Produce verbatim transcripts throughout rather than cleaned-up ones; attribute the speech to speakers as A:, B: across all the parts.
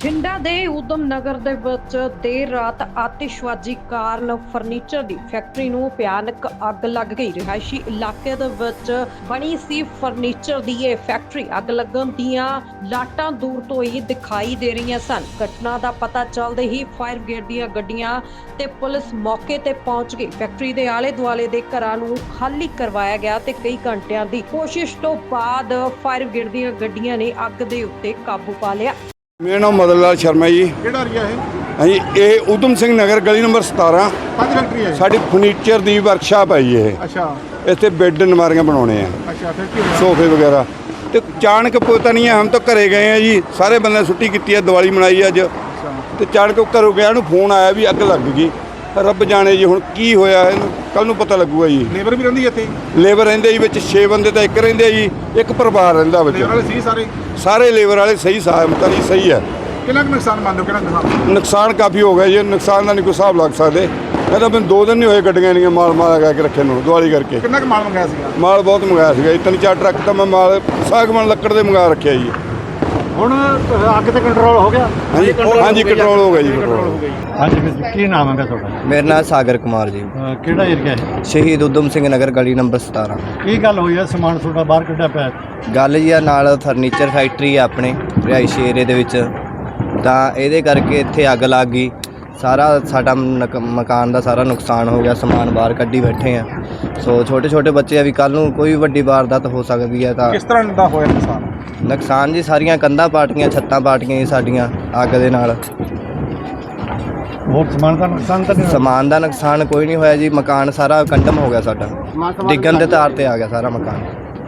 A: ਬਠਿੰਡਾ ਦੇ ਊਧਮ ਨਗਰ ਦੇ ਵਿੱਚ ਦੇਰ ਰਾਤ ਆਤਿਸ਼ਬਾਜ਼ੀ ਕਾਰਨ ਫਰਨੀਚਰ ਦੀ ਫੈਕਟਰੀ ਨੂੰ ਭਿਆਨਕ ਅੱਗ ਲੱਗ ਗਈ। ਰਿਹਾਇਸ਼ੀ ਇਲਾਕੇ ਦੇ ਵਿੱਚ ਬਣੀ ਸੀ ਫਰਨੀਚਰ ਦੀ ਇਹ ਫੈਕਟਰੀ ਅੱਗ ਲੱਗਣ ਦੀਆਂ ਲਾਟਾਂ ਦੂਰ ਤੋਂ ਹੀ ਦਿਖਾਈ ਦੇ ਰਹੀਆਂ ਸਨ। ਘਟਨਾ ਦਾ ਪਤਾ ਚੱਲਦੇ ਹੀ ਫਾਇਰ ਬ੍ਰਿਗੇਡ ਦੀਆਂ ਗੱਡੀਆਂ ਤੇ ਪੁਲਿਸ ਮੌਕੇ ਤੇ ਪਹੁੰਚ ਗਈ। ਫੈਕਟਰੀ ਦੇ ਆਲੇ ਦੁਆਲੇ ਦੇ ਘਰਾਂ ਨੂੰ ਖਾਲੀ ਕਰਵਾਇਆ ਗਿਆ ਤੇ ਕਈ ਘੰਟਿਆਂ ਦੀ ਕੋਸ਼ਿਸ਼ ਤੋਂ ਬਾਅਦ ਫਾਇਰ ਬ੍ਰਿਗੇਡ ਦੀਆਂ ਗੱਡੀਆਂ ਨੇ ਅੱਗ ਦੇ ਉੱਤੇ ਕਾਬੂ ਪਾ ਲਿਆ।
B: ਮੇਰਾ ਨਾਮ ਮਦਨ ਲਾਲ ਸ਼ਰਮਾ ਜੀ।
C: ਕਿਹੜਾ ਏਰੀਆ ਹੈ?
B: ਹਾਂਜੀ, ਇਹ ਊਧਮ ਸਿੰਘ ਨਗਰ ਗਲੀ ਨੰਬਰ ਸਤਾਰਾਂ।
C: ਕਾਹਦੀ ਫੈਕਟਰੀ ਹੈ?
B: ਸਾਡੀ ਫਰਨੀਚਰ ਦੀ ਵਰਕਸ਼ਾਪ ਹੈ ਜੀ ਇਹ।
C: ਅੱਛਾ
B: ਇੱਥੇ ਬੈੱਡ ਨਮਾਰੀਆਂ ਬਣਾਉਣੇ ਆ,
C: ਅੱਛਾ ਫਿਰ ਕੀ ਹੋਇਆ?
B: ਸੋਫੇ ਵਗੈरह। ਤੇ ਅਚਾਨਕ ਪਤਾ ਨਹੀਂ ਹੈ, ਹਮ ਤਾਂ ਘਰੇ ਗਏ ਆ ਜੀ, ਸਾਰੇ ਬੰਦੇ ਛੁੱਟੀ ਕੀਤੀ ਹੈ, ਦੀਵਾਲੀ ਮਨਾਈ ਅੱਜ।
C: ਅੱਛਾ
B: ਤੇ ਅਚਾਨਕ ਘਰੋਂ ਗਿਆ ਨੂੰ ਫੋਨ ਆਇਆ ਵੀ ਅੱਗ ਲੱਗ ਗਈ। ਰੱਬ ਜਾਣੇ ਜੀ ਹੁਣ ਕੀ ਹੋਇਆ, ਇਹਨੂੰ ਕੱਲ ਨੂੰ ਪਤਾ ਲੱਗੂਗਾ ਜੀ।
C: ਲੇਬਰ ਵੀ ਰਹਿੰਦੀ ਇੱਥੇ?
B: ਲੇਬਰ ਰਹਿੰਦੇ ਜੀ ਵਿੱਚ ਛੇ ਬੰਦੇ ਤਾਂ ਇੱਕ ਰਹਿੰਦੇ ਜੀ, ਇੱਕ ਪਰਿਵਾਰ ਰਹਿੰਦਾ ਵਿੱਚ।
C: ਲੇਬਰ ਵਾਲੇ ਸੀ ਸਾਰੇ?
B: ਸਾਰੇ ਲੇਬਰ ਵਾਲੇ ਸਹੀ ਸਾਹ ਤਾਂ ਨਹੀਂ ਸਹੀ ਹੈ।
C: ਕਿੰਨਾ ਕੁ ਨੁਕਸਾਨ ਮੰਨਦੇ ਹੋ? ਕਿੰਨਾ ਨੁਕਸਾਨ?
B: ਨੁਕਸਾਨ ਕਾਫੀ ਹੋ ਗਿਆ ਜੀ। ਨੁਕਸਾਨ ਦਾ ਨਹੀਂ ਕੋਈ ਹਿਸਾਬ ਲੱਗ ਸਕਦੇ। ਕਹਿੰਦਾ ਮੈਨੂੰ ਦੋ ਦਿਨ ਨਹੀਂ ਹੋਏ ਗੱਡੀਆਂ ਨਹੀਂ ਮਾਲ ਮਾਲ ਲਗਾ ਕੇ ਰੱਖੇ ਨੂੰ ਦਿਵਾਲੀ ਕਰਕੇ।
C: ਕਿੰਨਾ ਕੁ ਮਾਲ ਮੰਗਾਇਆ ਸੀਗਾ?
B: ਮਾਲ ਬਹੁਤ ਮੰਗਾਇਆ ਸੀਗਾ ਜੀ, ਤਿੰਨ ਚਾਰ ਟਰੱਕ ਤਾਂ ਮੈਂ ਮਾਲ ਸਾਗਵਾਨ ਲੱਕੜ ਦੇ ਮੰਗਾ ਰੱਖਿਆ ਜੀ।
C: ਹੁਣ ਅੱਗ ਤੇ ਕੰਟਰੋਲ ਹੋ ਗਿਆ?
B: ਹਾਂਜੀ ਹਾਂਜੀ ਕੰਟਰੋਲ ਹੋ ਗਿਆ ਜੀ, ਕੰਟਰੋਲ ਹੋ ਗਿਆ।
C: ਹਾਂਜੀ ਵੀਰ ਜੀ, ਕੀ ਨਾਮ ਹੈ ਤੁਹਾਡਾ?
D: ਮੇਰਾ ਨਾਮ ਸਾਗਰ ਕੁਮਾਰ ਜੀ।
C: ਅਹ ਕਿਹੜਾ ਏਰੀਆ ਹੈ?
D: ਸ਼ਹੀਦ ਊਧਮ ਸਿੰਘ ਨਗਰ ਗਲੀ ਨੰਬਰ ਸਤਾਰਾਂ।
C: ਕੀ ਗੱਲ ਹੋਈ ਹੈ? ਸਮਾਨ ਤੁਹਾਡਾ ਬਾਹਰ ਕੱਢਿਆ ਪਿਆ?
D: ਗੱਲ ਜੀ ਆ ਨਾਲ ਫਰਨੀਚਰ ਫੈਕਟਰੀ ਆ ਆਪਣੇ ਰਿਹਾਇਸ਼ੀ ਏਰੀਏ ਦੇ ਵਿੱਚ, ਤਾਂ ਇਹਦੇ ਕਰਕੇ ਇੱਥੇ ਅੱਗ ਲੱਗ ਗਈ। ਸਾਰਾ ਸਾਡਾ ਨਕ- ਮਕਾਨ ਦਾ ਸਾਰਾ ਨੁਕਸਾਨ ਹੋ ਗਿਆ। ਸਮਾਨ ਬਾਹਰ ਕੱਢੀ ਬੈਠੇ ਆ। ਸੋ ਛੋਟੇ ਛੋਟੇ ਬੱਚੇ ਆ ਵੀ ਕੱਲ੍ਹ ਨੂੰ ਕੋਈ ਵੱਡੀ ਵਾਰਦਾਤ ਹੋ ਸਕਦੀ ਹੈ। ਤਾਂ
C: ਕਿਸ ਤਰ੍ਹਾਂ ਦਾ ਹੋਇਆ ਨੁਕਸਾਨ?
D: ਨੁਕਸਾਨ ਜੀ ਸਾਰੀਆਂ ਕੰਧਾਂ ਪਾਟੀਆਂ, ਛੱਤਾਂ ਪਾਟੀਆਂ ਜੀ ਸਾਡੀਆਂ ਅੱਗ ਦੇ ਨਾਲ।
C: ਹੋਰ ਸਮਾਨ ਦਾ ਨੁਕਸਾਨ ਤਾਂ ਨਹੀਂ ਹੋਇਆ?
D: ਸਮਾਨ ਦਾ ਨੁਕਸਾਨ ਕੋਈ ਨਹੀਂ ਹੋਇਆ ਜੀ। ਮਕਾਨ ਸਾਰਾ ਕੰਡਮ ਹੋ ਗਿਆ ਸਾਡਾ, ਡਿੱਗਣ ਦੇ ਤਾਰ ਤੇ ਆ ਗਿਆ ਸਾਰਾ ਮਕਾਨ।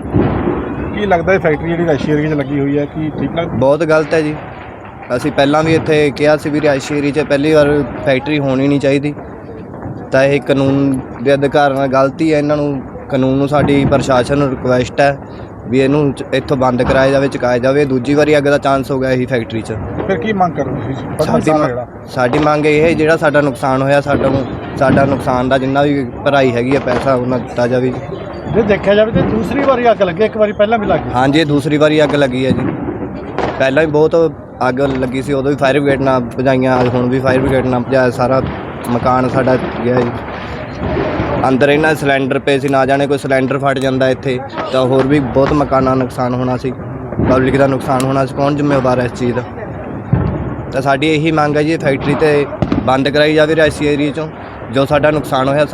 C: ਕੀ ਲੱਗਦਾ ਇਹ ਫੈਕਟਰੀ ਜਿਹੜੀ ਰਿਹਾਇਸ਼ੀ ਏਰੀਏ 'ਚ ਲੱਗੀ ਹੋਈ ਹੈ, ਕੀ ਠੀਕ ਲੱਗਦਾ?
D: ਬਹੁਤ ਗਲਤ ਹੈ ਜੀ। ਅਸੀਂ ਪਹਿਲਾਂ ਵੀ ਇੱਥੇ ਕਿਹਾ ਸੀ ਵੀ ਰਿਹਾਇਸ਼ੀ ਏਰੀਏ 'ਚ ਪਹਿਲੀ ਵਾਰ ਫੈਕਟਰੀ ਹੋਣੀ ਨਹੀਂ ਚਾਹੀਦੀ। ਤਾਂ ਇਹ ਕਾਨੂੰਨ ਦੇ ਅਧਿਕਾਰ ਨਾਲ ਗਲਤੀ ਹੈ। ਇਹਨਾਂ ਨੂੰ ਕਾਨੂੰਨ ਨੂੰ ਸਾਡੀ ਪ੍ਰਸ਼ਾਸਨ ਨੂੰ ਰਿਕੁਐਸਟ ਹੈ ਵੀ ਇਹਨੂੰ ਚ- ਇੱਥੋਂ ਬੰਦ ਕਰਾਇਆ ਜਾਵੇ, ਚੁਕਾਇਆ ਜਾਵੇ। ਦੂਜੀ ਵਾਰੀ ਅੱਗ ਦਾ ਚਾਂਸ ਹੋ ਗਿਆ ਇਹੀ ਫੈਕਟਰੀ 'ਚ।
C: ਫਿਰ ਕੀ ਮੰਗ ਕਰੋ ਤੁਸੀਂ?
D: ਸਾਡੀ ਮ- ਸਾਡੀ ਮੰਗ ਇਹ ਹੈ ਜਿਹੜਾ ਸਾਡਾ ਨੁਕਸਾਨ ਹੋਇਆ, ਸਾਡਾ ਨੂੰ ਸਾਡਾ ਨੁਕਸਾਨ ਦਾ ਜਿੰਨਾ ਵੀ ਭਰਾਈ ਹੈਗੀ ਹੈ ਪੈਸਾ ਉਹਨਾਂ ਦਿੱਤਾ ਜਾਵੇ ਜੀ।
C: ਜੇ ਦੇਖਿਆ ਜਾਵੇ ਤਾਂ ਦੂਸਰੀ ਵਾਰੀ ਅੱਗ ਲੱਗੀ, ਇੱਕ ਵਾਰੀ ਪਹਿਲਾਂ ਵੀ ਲੱਗੀ।
D: ਹਾਂਜੀ, ਇਹ ਦੂਸਰੀ ਵਾਰੀ ਅੱਗ ਲੱਗੀ ਹੈ ਜੀ। ਪਹਿਲਾਂ ਵੀ ਬਹੁਤ ਅੱਗ ਲੱਗੀ ਸੀ, ਉਦੋਂ ਵੀ ਫਾਇਰ ਬ੍ਰਿਗੇਡ ਨਾਲ ਭਜਾਈਆਂ, ਹੁਣ ਵੀ ਫਾਇਰ ਬ੍ਰਿਗੇਡ ਨਾਲ ਭਜਾਇਆ। ਸਾਰਾ ਮਕਾਨ ਸਾਡਾ ਗਿਆ ਜੀ। ਅੰਦਰ ਇਹਨਾਂ ਦੇ ਸਿਲੰਡਰ ਪਏ ਸੀ, ਨਾ ਜਾਣੇ ਕੋਈ ਸਿਲੰਡਰ ਫਟ ਜਾਂਦਾ ਇੱਥੇ ਤਾਂ ਹੋਰ ਵੀ ਬਹੁਤ ਮਕਾਨਾਂ ਦਾ ਨੁਕਸਾਨ ਹੋਣਾ ਸੀ, ਪਬਲਿਕ ਦਾ ਨੁਕਸਾਨ ਹੋਣਾ ਸੀ। ਕੌਣ ਜ਼ਿੰਮੇਵਾਰ ਹੈ ਇਸ ਚੀਜ਼ ਦਾ? ਤਾਂ ਸਾਡੀ ਇਹੀ ਮੰਗ ਹੈ ਜੀ, ਫੈਕਟਰੀ ਤੇ ਬੰਦ ਕਰਾਈ ਜਾਵੇ ਰਿਹਾਇਸ਼ੀ ਏਰੀਏ 'ਚੋਂ ਜੋ ਸਾਡਾ ਨੁਕਸਾਨ ਹੋਇਆ।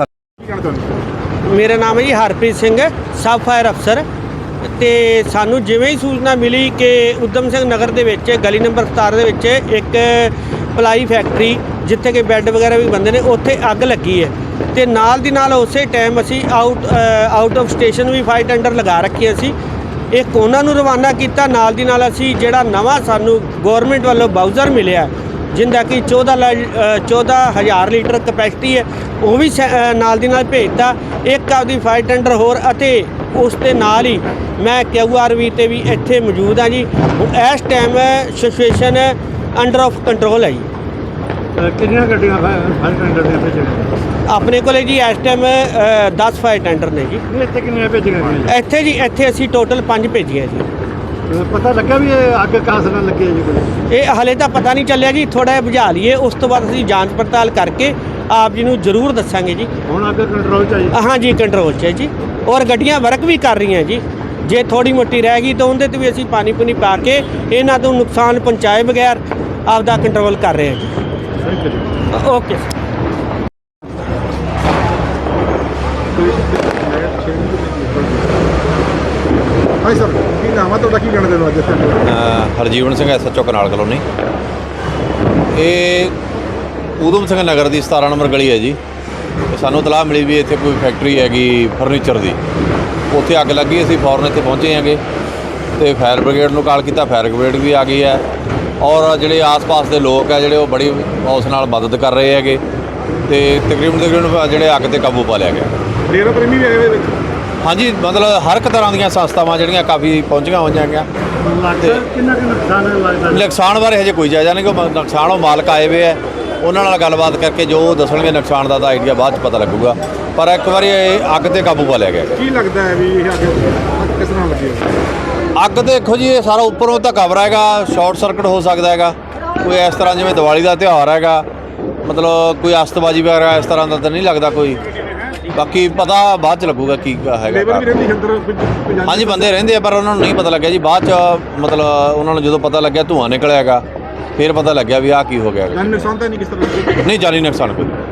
E: ਮੇਰਾ ਨਾਮ ਹੈ ਜੀ ਹਰਪ੍ਰੀਤ ਸਿੰਘ, ਸਬ ਫਾਇਰ ਅਫਸਰ। ਤੇ ਸਾਨੂੰ ਜਿਵੇਂ ਹੀ ਸੂਚਨਾ ਮਿਲੀ ਕਿ ਊਧਮ ਸਿੰਘ ਨਗਰ ਦੇ ਵਿੱਚ ਗਲੀ ਨੰਬਰ ਸਤਾਰਾਂ ਦੇ ਵਿੱਚ ਇੱਕ ਪਲਾਈ ਫੈਕਟਰੀ ਜਿੱਥੇ ਕਿ ਬੈੱਡ ਵਗੈਰਾ ਵੀ ਬਣਦੇ ਨੇ, ਉੱਥੇ ਅੱਗ ਲੱਗੀ ਹੈ। ਤੇ ਨਾਲ ਦੀ ਨਾਲ ਉਸੇ ਟਾਈਮ ਅਸੀਂ ਆਊਟ ਆਊਟ ਆਫ ਸਟੇਸ਼ਨ ਵੀ ਫਾਇਰ ਟੈਂਡਰ ਲਗਾ ਰੱਖੀਆਂ ਸੀ। ਇੱਕ ਉਹਨਾਂ ਨੂੰ ਰਵਾਨਾ ਕੀਤਾ। ਨਾਲ ਦੀ ਨਾਲ ਅਸੀਂ ਜਿਹੜਾ ਨਵਾਂ ਸਾਨੂੰ ਗੌਰਮੈਂਟ ਵੱਲੋਂ ਬਾਊਜ਼ਰ ਮਿਲਿਆ ਜਿੰਦਾ ਕਿ ਚੌਦਾਂ ਚੌਦਾਂ ਹਜ਼ਾਰ ਲੀਟਰ ਕਪੈਸਿਟੀ ਹੈ, ਉਹ ਵੀ ਨਾਲ ਦੀ ਨਾਲ ਭੇਜਤਾ। ਇੱਕ ਆਪਦੀ ਫਾਇਰ ਟੈਂਡਰ ਹੋਰ, ਅਤੇ ਉਸ ਦੇ ਨਾਲ ਹੀ ਮੈਂ ਕਿਊ ਆਰ ਵੀ 'ਤੇ ਵੀ ਇੱਥੇ ਮੌਜੂਦ ਹਾਂ ਜੀ। ਇਸ time situation under of control ਹੈ ਜੀ।
C: ਕਿੰਨੀਆਂ ਗੱਡੀਆਂ ਫਾਇਰ ਟੈਂਡਰ ਦੀਆਂ ਭੇਜੀਆਂ?
E: ਆਪਣੇ ਕੋਲੇ ਜੀ ਇਸ ਟਾਈਮ ਦਸ ਫਾਇਰ ਟੈਂਡਰ ਨੇ ਜੀ।
C: ਇੱਥੇ ਕਿੰਨੀਆਂ ਭੇਜੀਆਂ ਗਈਆਂ?
E: ਇੱਥੇ ਜੀ ਇੱਥੇ ਅਸੀਂ ਟੋਟਲ ਪੰਜ ਭੇਜੀਆਂ ਜੀ।
C: ਪਤਾ ਲੱਗਾ ਵੀ ਇਹ ਅੱਗ ਕਾਸ ਨਾਲ ਲੱਗੀ ਹੈ ਜੀ ਕੋਈ?
E: ਇਹ ਹਲੇ ਤਾਂ ਪਤਾ ਨਹੀਂ ਚੱਲਿਆ ਜੀ, ਥੋੜ੍ਹਾ ਜਿਹਾ ਬੁਝਾ ਲਈਏ, ਉਸ ਤੋਂ ਬਾਅਦ ਅਸੀਂ ਜਾਂਚ ਪੜਤਾਲ ਕਰਕੇ ਆਪ ਜੀ ਨੂੰ ਜ਼ਰੂਰ ਦੱਸਾਂਗੇ ਜੀ।
C: ਹੁਣ ਅੱਗ ਕੰਟਰੋਲ 'ਚ ਆਈ?
E: ਹਾਂ ਜੀ, ਕੰਟਰੋਲ 'ਚ ਹੈ ਜੀ। ਔਰ ਗੱਡੀਆਂ ਵਰਕ ਵੀ ਕਰ ਰਹੀਆਂ ਜੀ। ਜੇ ਥੋੜੀ ਮੋਟੀ ਰਹਿ ਗਈ ਤਾਂ ਉਹਦੇ 'ਤੇ ਵੀ ਅਸੀਂ ਪਾਣੀ ਪੁਣੀ ਪਾ ਕੇ ਇਹਨਾਂ ਤੋਂ ਨੁਕਸਾਨ ਪਹੁੰਚਾਏ ਬਗੈਰ ਆਪਦਾ ਕੰਟਰੋਲ ਕਰ ਰਹੇ ਹਾਂ ਜੀ। ਓਕੇ
C: ਹਾਂ ਸਰ, ਕੀ ਨਾਮ ਹੈ ਤੁਹਾਡਾ? ਕੀ ਕਹਿਣਾ ਚਾਹੁੰਦੇ ਹੋ ਅੱਜ ਇੱਥੇ?
F: Harjiwan Singh, S H O canal colony. ਇਹ ਊਧਮ ਸਿੰਘ ਨਗਰ ਦੀ ਸਤਾਰਾਂ ਨੰਬਰ ਗਲੀ ਹੈ ਜੀ। ਤੇ ਸਾਨੂੰ ਇਤਲਾਹ ਮਿਲੀ ਵੀ ਇੱਥੇ ਕੋਈ ਫੈਕਟਰੀ ਹੈਗੀ ਫਰਨੀਚਰ ਦੀ, ਉੱਥੇ ਅੱਗ ਲੱਗੀ। ਅਸੀਂ ਫੌਰਨ ਇੱਥੇ ਪਹੁੰਚੇ ਹੈਗੇ ਤੇ ਫਾਇਰ ਬ੍ਰਿਗੇਡ ਨੂੰ ਕਾਲ ਕੀਤਾ। ਫਾਇਰ ਬ੍ਰਿਗੇਡ ਵੀ ਆ ਗਈ ਹੈ ਔਰ ਜਿਹੜੇ ਆਸ-ਪਾਸ ਦੇ ਲੋਕ ਹੈ ਜਿਹੜੇ ਉਹ ਬੜੀ ਉਸ ਨਾਲ ਮਦਦ ਕਰ ਰਹੇ ਹੈਗੇ ਤੇ ਤਕਰੀਬਨ ਤਕਰੀਬਨ ਜਿਹੜੇ ਅੱਗ 'ਤੇ ਕਾਬੂ ਪਾ ਲਿਆ ਗਿਆ।
C: ਡੇਰਾ ਪ੍ਰੇਮੀ ਵੀ ਆਏ ਹੋਏ ਵਿੱਚ?
F: ਹਾਂਜੀ, ਮਤਲਬ ਹਰ ਇੱਕ ਤਰ੍ਹਾਂ ਦੀਆਂ ਸੰਸਥਾਵਾਂ ਜਿਹੜੀਆਂ ਕਾਫੀ ਪਹੁੰਚੀਆਂ ਹੋਈਆਂ ਹੈਗੀਆਂ।
C: ਲੱਗਦਾ ਕਿੰਨਾ ਕੁ ਨੁਕਸਾਨ ਲੱਗਦਾ?
F: ਨੁਕਸਾਨ ਬਾਰੇ ਹਜੇ ਕੋਈ ਜਾਇਜ਼ਾ ਨਹੀਂ, ਕਿ ਨੁਕਸਾਨ ਉਹ ਮਾਲਕ ਆਏ ਹੋਏ ਹੈ, ਉਹਨਾਂ ਨਾਲ ਗੱਲਬਾਤ ਕਰਕੇ ਜੋ ਦੱਸਣਗੇ ਨੁਕਸਾਨ ਦਾ ਤਾਂ ਆਈਡੀਆ ਬਾਅਦ 'ਚ ਪਤਾ ਲੱਗੂਗਾ। ਪਰ ਇੱਕ ਵਾਰੀ ਇਹ ਅੱਗ 'ਤੇ ਕਾਬੂ ਪਾ ਲਿਆ ਗਿਆ।
C: ਕੀ ਲੱਗਦਾ ਹੈ ਵੀ ਇਹ ਅੱਗ ਕਿਸ ਤਰ੍ਹਾਂ ਲੱਗੀ ਹੋਈ?
F: ਅੱਗ ਦੇਖੋ ਜੀ, ਇਹ ਸਾਰਾ ਉੱਪਰੋਂ ਤਾਂ ਕਵਰ ਹੈਗਾ, ਸ਼ਾਰਟ ਸਰਕਟ ਹੋ ਸਕਦਾ ਹੈਗਾ। ਕੋਈ ਇਸ ਤਰ੍ਹਾਂ ਜਿਵੇਂ ਦੀਵਾਲੀ ਦਾ ਤਿਉਹਾਰ ਹੈਗਾ, ਮਤਲਬ ਕੋਈ ਅਸਤਬਾਜੀ ਵਗੈਰਾ ਇਸ ਤਰ੍ਹਾਂ ਦਾ ਤਾਂ ਨਹੀਂ ਲੱਗਦਾ ਕੋਈ। ਬਾਕੀ ਪਤਾ ਬਾਅਦ ਚ ਲੱਗੂਗਾ ਕੀ ਹੈਗਾ।
C: ਲੇਬਰ ਵੀ ਰਹਿੰਦੀ ਅੰਦਰ ਪੰਜਾਬੀ
F: ਹਾਂਜੀ ਬੰਦੇ ਰਹਿੰਦੇ ਆ, ਪਰ ਉਹਨਾਂ ਨੂੰ ਨਹੀਂ ਪਤਾ ਲੱਗਿਆ ਜੀ। ਬਾਅਦ ਚ ਮਤਲਬ ਉਹਨਾਂ ਨੂੰ ਜਦੋਂ ਪਤਾ ਲੱਗਿਆ ਧੂੰਆਂ ਨਿਕਲਿਆ ਹੈਗਾ, ਫਿਰ ਪਤਾ ਲੱਗਿਆ ਵੀ ਆਹ ਕੀ ਹੋ ਗਿਆ ਹੈਗਾ।
C: ਜਾਨੀ ਨੁਕਸਾਨ ਤਾਂ ਨਹੀਂ ਕਿਸ ਤਰ੍ਹਾਂ ਦਾ?
F: ਨਹੀਂ ਜਾਨੀ ਨੁਕਸਾਨ ਕੋਈ।